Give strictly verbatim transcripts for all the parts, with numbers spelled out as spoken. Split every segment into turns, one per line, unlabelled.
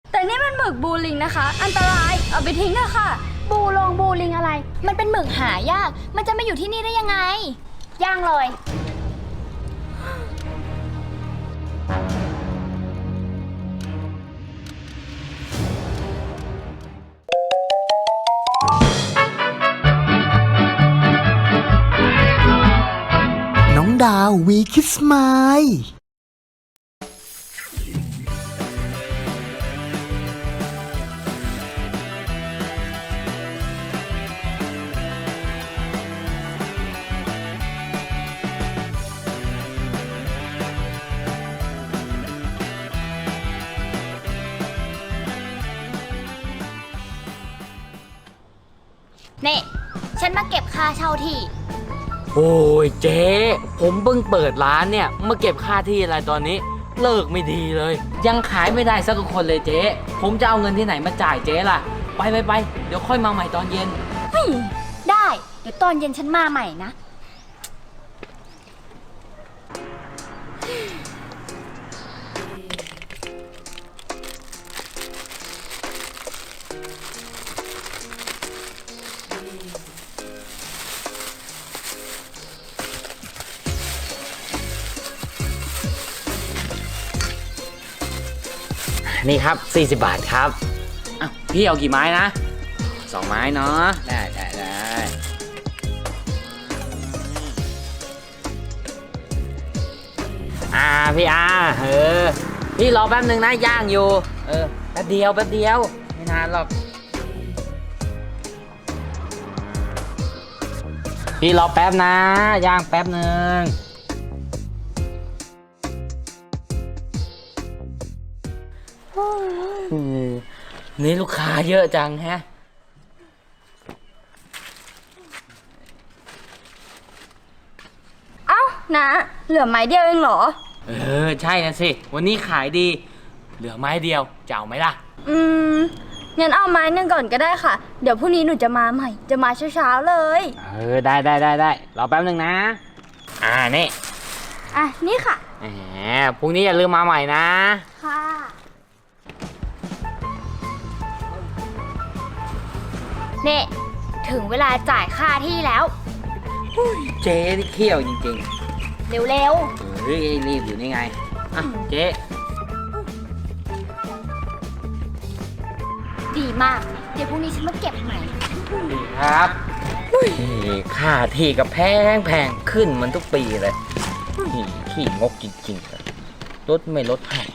แต่นี่มันหมึกบูลิงนะคะอันตรายเอาไปทิ้งเถอะค่ะ
บูลงบูลิงอะไรมันเป็นหมึกหายากมันจะมาอยู่ที่นี่ได้ยังไงย่างเลย
น้องดาววีคิสไมล์
นี่ฉันมาเก็บค่าเช่าที่
โอ้ยเจ๊ผมเพิ่งเปิดร้านเนี่ยมาเก็บค่าที่อะไรตอนนี้เลิกไม่ดีเลย ยังขายไม่ได้สักคนเลยเจ๊ผมจะเอาเงินที่ไหนมาจ่ายเจ๊ล่ะไปไปไปเดี๋ยวค่อยมาใหม่ตอนเย็น
ได้เดี๋ยวตอนเย็นฉันมาใหม่นะ
นี่ครับสี่สิบบาทครับอ้าวพี่เอากี่ไม้นะสองไม้เนาะได้ได้ได้อ่าพี่อาเออพี่รอแป๊บนึงนะย่างอยู่เออแป๊บเดียวแป๊บเดียวไม่นานหรอกพี่รอแป๊บนะย่างแป๊บนึงนี่ลูกค้าเยอะจังแฮะ
เอ้านะเหลือไม้เดียวเองเหรอ
เออใช่นะสิวันนี้ขายดีเหลือไม้เดียวจะเอาไหมล่ะ
อืมงั้นเอาไม้หนึ่งก่อนก็ได้ค่ะเดี๋ยวพรุ่งนี้หนูจะมาใหม่จะมาเช้าๆเลย
เออได้ได้ได้ได้รอแป๊บนึงนะอ่านี่
อ่ะนี่ค่ะ
แหมพรุ่งนี้อย่าลืมมาใหม่นะ
ค่ะ
นี่ถึงเวลาจ่ายค่าที่แล้ว
เจ๊ที่เขี้ยวจริง
ๆเร็ว
ๆเฮ้ยรีบอยู่นี่ไงอ่ะเจ๊
ดีมากเดี๋ยวพรุ่งนี้ฉันมาเก็บใหม่
ดีครับนี่ค่าที่ก็แพงแพงขึ้นมันทุกปีเลยนี่ขี้งกจริงๆเลยลดไม่ลดให้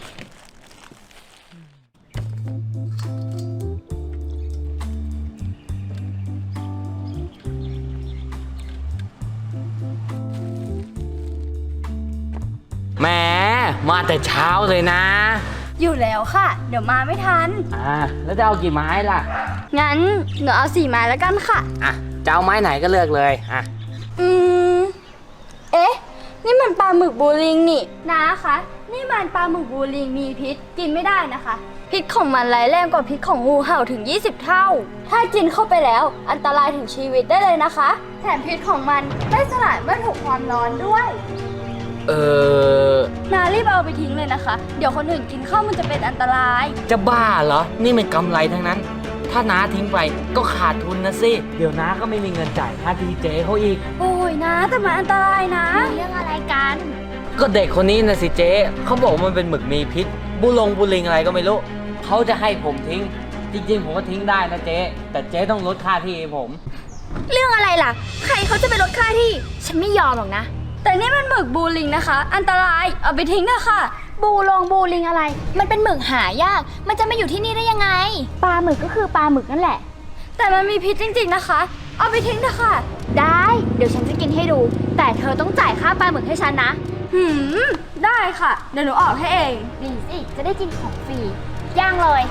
แหมมาแต่เช้าเลยนะ
อยู่แล้วค่ะเดี๋ยวมาไม่ทัน
อ่าแล้วจะเอากี่ไม้ล่ะ
งั้นหนูเอาสี่ไม้แล้วกันค่ะ
อ่ะจะเอาไม้ไหนก็เลือกเลยอ่ะ
อืมเอ๊ะนี่มันปลาหมึกบูริงนี่นะคะนี่มันปลาหมึกบูริงมีพิษกินไม่ได้นะคะพิษของมันร้ายแรงกว่าพิษของงูเห่าถึงยี่สิบเท่าถ้ากินเข้าไปแล้วอันตรายถึงชีวิตได้เลยนะคะแถมพิษของมันไม่สลายเมื่อถูกความร้อนด้วย
เออ
นารีบเอาไปทิ้งเลยนะคะเดี๋ยวคนอื่นกินข้าวมันจะเป็นอันตราย
จะบ้าเหรอนี่เป็นกำไรทั้งนั้นถ้าน้าทิ้งไปก็ขาดทุนนะสิเดี๋ยวน้าก็ไม่มีเงินจ่ายค่าทีเจเขาอีก
โอ้ยนะแต่มันอันตรายนะ
เรื่องอะไรกัน
ก็เด็กคนนี้นะสิเจ๊เขาบอกมันเป็นหมึกมีพิษบุลงบุลิงอะไรก็ไม่รู้เขาจะให้ผมทิ้งจริงๆผมก็ทิ้งได้นะเจ๊แต่เจ๊ต้องลดค่าที่ให้ผม
เรื่องอะไรล่ะใครเขาจะไปลดค่าที่ฉันไม่ยอมหรอกนะ
แต่นี่มันหมึกบูลิงนะคะอันตรายเอาไปทิ้งเถอะค่ะ
บูลงบูลิงอะไรมันเป็นหมึกหายากมันจะมาอยู่ที่นี่ได้ยังไงปลาหมึกก็คือปลาหมึกนั่นแหละ
แต่มันมีพิษจริงๆนะคะเอาไปทิ้งเถอะค่ะ
ได้เดี๋ยวฉันจะกินให้ดูแต่เธอต้องจ่ายค่าปลาหมึกให้ฉันนะ
หืมได้ค่ะเดี๋ยวหนูออกให้เอง
ดีสิจะได้กินของฟรีย่างเลย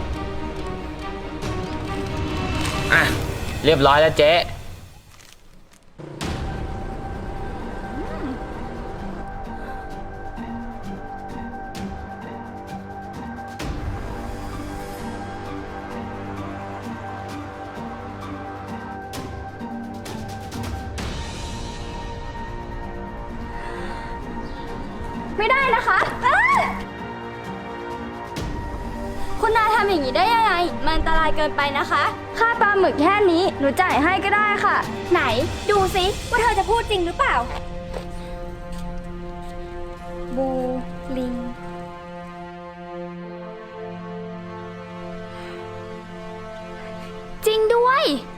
อ่ะเรียบร้อยแล้วเจ๊
ไม่ได้นะคะคุณนายทำอย่างนี้ได้ยังไง มันอันตรายเกินไปนะคะ ค่าปลาหมึกแค่นี้หนูจ่ายให้ก็ได้ค่ะ
ไหนดูสิว่าเธอจะพูดจริงหรือเปล่า บูลิง จริงด้วย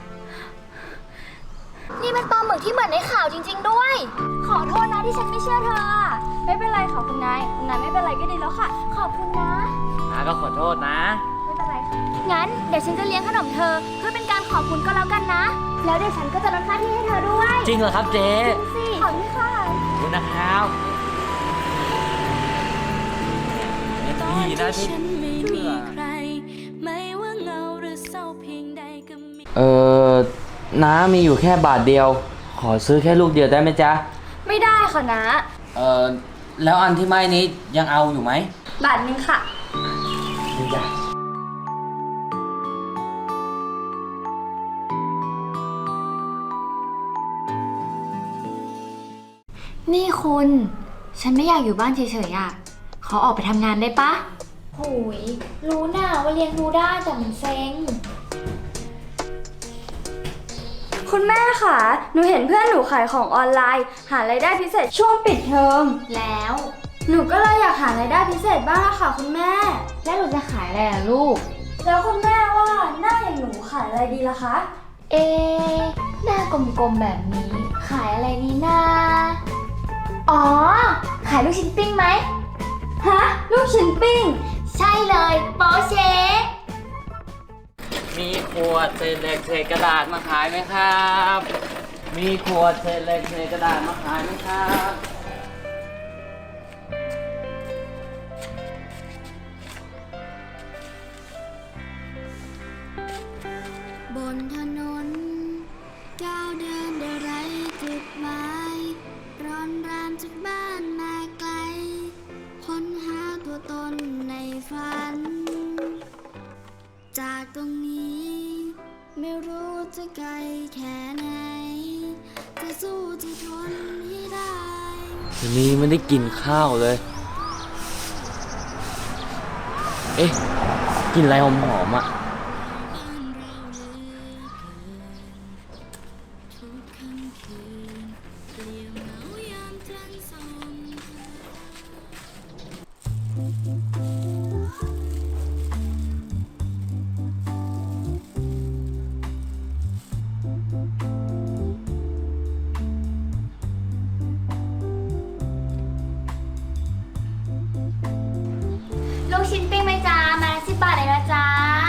นี่มันปลาหมึกที่เหมือนในข่าวจริง ๆ ด้วย ขอโทษนะที่ฉันไม่เชื่อเธออะ
ไม่เป็นไรค่ะคุณนาย คุณนายไม่เป็นไรก็ดีแล้วค่ะ
ขอบคุณนะ
น้าก็ขอโทษนะ
ไม่เป็นไรค่ะ
งั้นเดี๋ยวฉันจะเลี้ยงขนมเธอเพื่อเป็นการขอบคุณก็แล้วกันนะ แล้วเดี๋ยวฉันก็จะลดค่าที่ให้เธอด้วย
จริงเหรอครับเจ๊
สิ
ขอบคุณค่ะ
ขอบคุณนะครับดีนะที่เออน้ามีอยู่แค่บาทเดียว ขอซื้อแค่ลูกเดียวได้ไหมจ๊ะ
ไม่ได้ค่ะนะ
เออแล้วอันที่ไม่นี้ยังเอาอยู่ไหม
บาทหนึงค่ะ
นี่จ้ะ
นี่คุณ ฉันไม่อยากอยู่บ้านเฉยๆอ่ะ ขอออกไปทำงานได้ปะโหยรู้น่าว่าเลี้ยงดูได้แต่มันเซ็ง
คุณแม่ค่ะ หนูเห็นเพื่อนหนูขายของออนไลน์ หารายได้พิเศษช่วงปิดเทอม
แล้ว
หนูก็เลยอยากหารายได้พิเศษบ้างอะค่ะคุณแม่
แล้วหนูจะขายอะไรล่ะลูก
แล้วคุณแม่ว่าหน้าอย่างหนูขายอะไรดีล่ะคะ
เอ๊ะหน้ากลมๆแบบนี้ ขายอะไรนี่นาอ๋อ ขายลูกชิ้นปิ้งไหม
ฮะ ลูกชิ้นปิ้ง
ใช่เลยโปเช๊
มีขวดเศษเหล็กเศษกระดาษมาขายไหมครับ มีขวดเศษเหล็กเศษกระดาษมาขายไหมครับ
บนถนนก้าวเดินได้ไรจุดหมายร้อนรานจากบ้านมาไกลค้นหาตัวตนในฝัน จากตรงนี้ไม่รู้จะไกลแค่ไหนจะสู้จะทนให้ได้
วันนี้ไม่ได้กินข้าวเลย เอ๊ะ กินอะไรหอมๆอ่ะ
ทุกค่ำคืนเปลี่ยวเหงายามจันทร์ส่อง
ลูกชิ้นปิ้งไหมจ๊ะมาละสิบบาทเลยนะจ๊ะ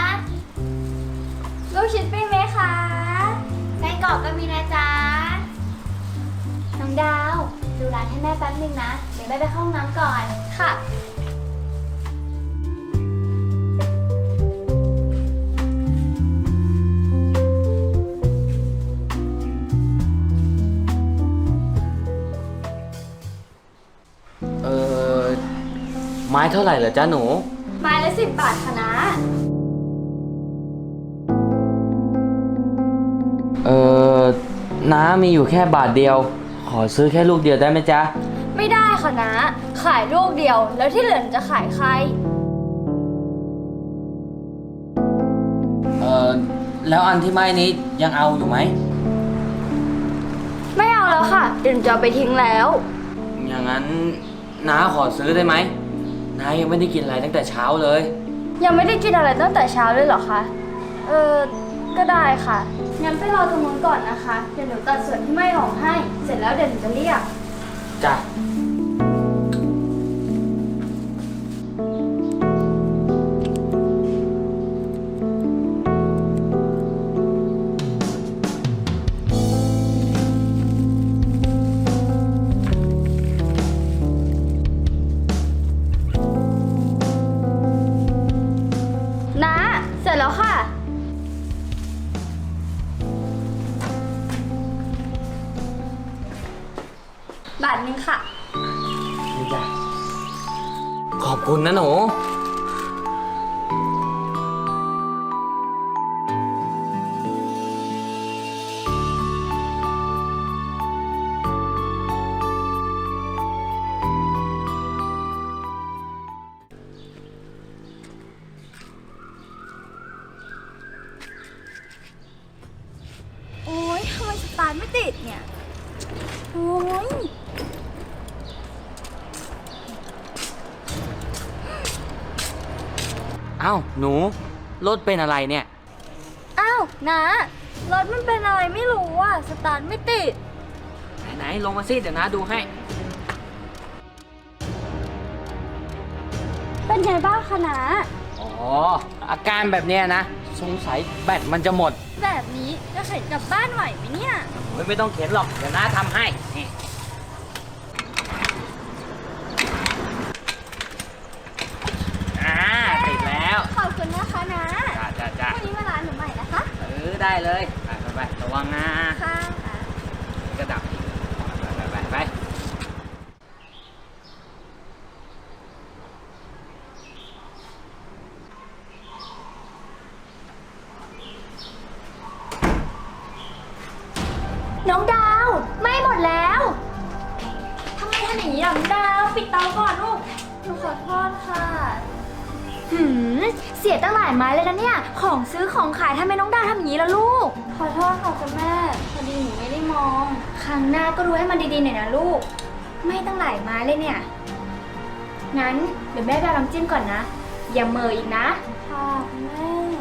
ลูกชิ้นปิ้งไหมคะ
ไส้กรอกก็มีนะจ๊ะ น้องดาว ดูร้านให้แม่แป๊บนึงนะ เดี๋ยวแม่ไปเข้าห้องน้ำก่อน
ค่ะ
เออไม้เท่าไหร่เหรอจ๊ะหนู
ไม้ละสิบบาทค่ะนะ
เออน้ามีอยู่แค่บาทเดียว ขอซื้อแค่ลูกเดียวได้ไหมจ๊ะ
ไม่ได้ค่ะนะ ขายลูกเดียว แล้วที่เหลือหนูจะขายใคร
เออแล้วอันที่ไม่นี้ยังเอาอยู่ไหม
ไม่เอาแล้วค่ะ เดี๋ยวหนูจะเอาไปทิ้งแล้ว
อย่างนั้นน้าขอซื้อได้ไหมน้ายังไม่ได้กินอะไรตั้งแต่เช้าเลย
ยังไม่ได้กินอะไรตั้งแต่เช้าเลยเหรอคะ เออ ก็ได้ค่ะ งั้นไปรอตรงนู้นก่อนนะคะ เดี๋ยวหนูตัดส่วนที่ไม่ออกให้ เสร็จแล้วเดี๋ยวหนูจะเรียก
จ้ะ
นะ เสร็จแล้วค่ะ บาทหนึงค่ะ
นี่จ้ะ ขอบคุณนะหนู
ไม่ติดเนี่ย โอ้ย
เอ้าหนูรถเป็นอะไรเนี่ย
อ้าวนะรถมันเป็นอะไรไม่รู้อ่ะ สตาร์ทไม่ติด
ไหนๆลงมาสิเดี๋ยวนะดูให้
เป็นไงบ้างคะนะ
อ๋อ อาการแบบเนี้ยนะ สงสัยแบตมันจะหมด
แบบนี้จะเข็นกลับบ้านไหวไหมเนี่ย
โอ้ยไม่ต้องเข็นหรอก เดี๋ยวน้าทำให้นี่อ่าติดแล้ว
ขอบคุณนะคะนะ
จ้าจ้าจ้า
วันนี้มาร้านหนูใหม่นะคะ
เออได้เลย ไปไปไประวังนะ
ค่ะ
กระดับอีกไปไปไปไป
น้องดาวไหม่หมดแล้ว
ทำไมทำอย่างนี้ล่ะน้องดาว ปิดเตาก่อนลูก หนูขอโทษค่ะ
หืม เสียตั้งหลายไม้เลยนะเนี่ย ของซื้อของขายทำไมน้องดาวทำอย่างนี้ล่ะลูก
ขอโทษค่ะคุณแม่ พอดีหนูไม่ได้มอง
ครั้งหน้าก็ดูให้มันดีๆหน่อยนะลูก ไม่ตั้งหลายไม้เลยเนี่ย งั้นเดี๋ยวแม่ไปเอาน้ำจิ้มก่อนนะ อย่าเหมออีกนะ
ค่ะคุณแม่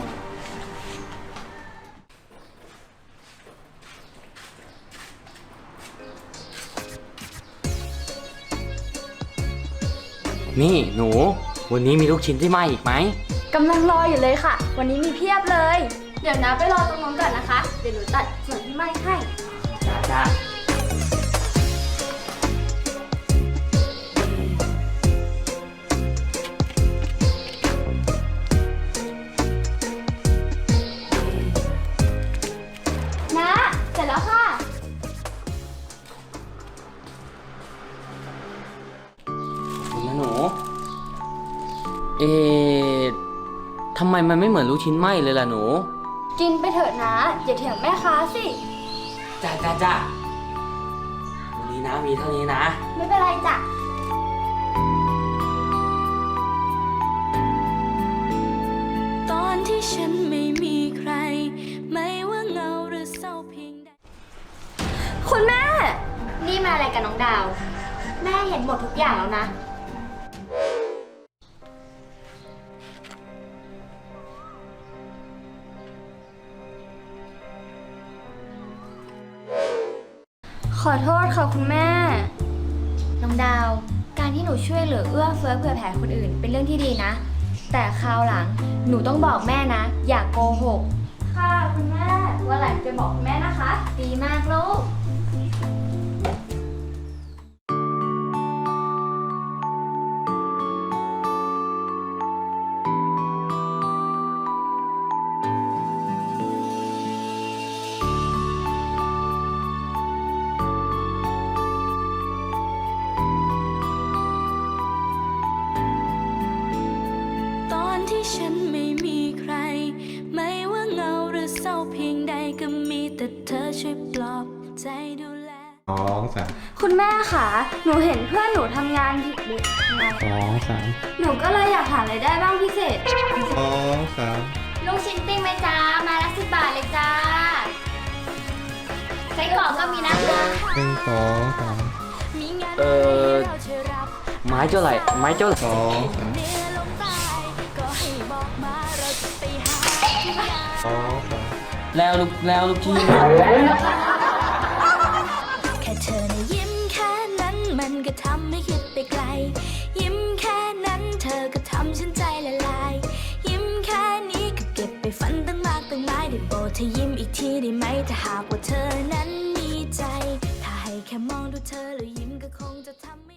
นี่หนู วันนี้มีลูกชิ้นที่ไหม้อีกไหม
กำลังรออยู่เลยค่ะ วันนี้มีเพียบเลย เดี๋ยวนะไปรอตรงนู้นก่อนนะคะ เดี๋ยวหนูตัดส่วนที่ไหม้ให้
จ้าจ้า
นะ เสร็จแล้วค่ะ
คุณนะหนู เอ๊ะทำไมมันไม่เหมือนลูกชิ้นไหม้เลยล่ะหนู
กินไปเถอะนะ อย่าเถียงแม่ค้าสิ
จ้าจ้าจ้าวันนี้นะมีเท่านี้นะ
ไม่เป็นไรจ้ะ
ตอนที่ฉันไม่มีใคร ไม่ว่าเงาหรือเศร้าเพียงใด
คุณแม่
นี่มาอะไรกับน้องดาว แม่เห็นหมดทุกอย่างแล้วนะ
ขอโทษค่ะคุณแม่
น้องดาว การที่หนูช่วยเหลือเอื้อเฟื้อเผื่อแผ่คนอื่นเป็นเรื่องที่ดีนะ แต่คราวหลังหนูต้องบอกแม่นะ อย่ากโกหก
ค่ะคุณแม่ วันหลังจะบอกคุณแม่นะคะ
ดีมากลูก
ตอนที่ฉันไม่มีใคร ไม่ว่าเงาหรือเศร้าเพียงใดก็มีแต่เธอช่วยปลอบใจดูแล
สองสาม
คุณแม่ค่ะหนูเห็นเพื่อนหนูทำงานผิดเลยไง
สองสาม
หนูก็เลยอยากหารายได้บ้างพิเศษ
สองสาม
ลูกชิ้นปิ้งไหมจ้า มาละสิบบาทเลยจ้าไส้กรอกก็มีนะคะ
หนึ่งสองสาม
มีงาน
เอ่อ
ให้เราช่วยรับ
ไม้เจ้าไหร่ไม้เจ้า
สองสาม
เหนือลงใต้ก็ให้บอกมาเราจะไปหาที่งาน
สองสาม
แล้วลูกแล้วลูกชิ้น
แค่เธอนะยิ้มแค่นั้นมันก็ทำให้คิดไปไกล ยิ้มแค่นั้นเธอก็ทำฉันใจละลาย ยิ้มแค่นี้ก็เก็บไปฝันตั้งมากตั้งหลายได้โปรดเธอยิ้มอีกทีได้ไหมถ้าหากว่าเธอนั้นมีใจ ถ้าให้แค่มองดูเธอแล้วยิ้มก็คงจะทำให้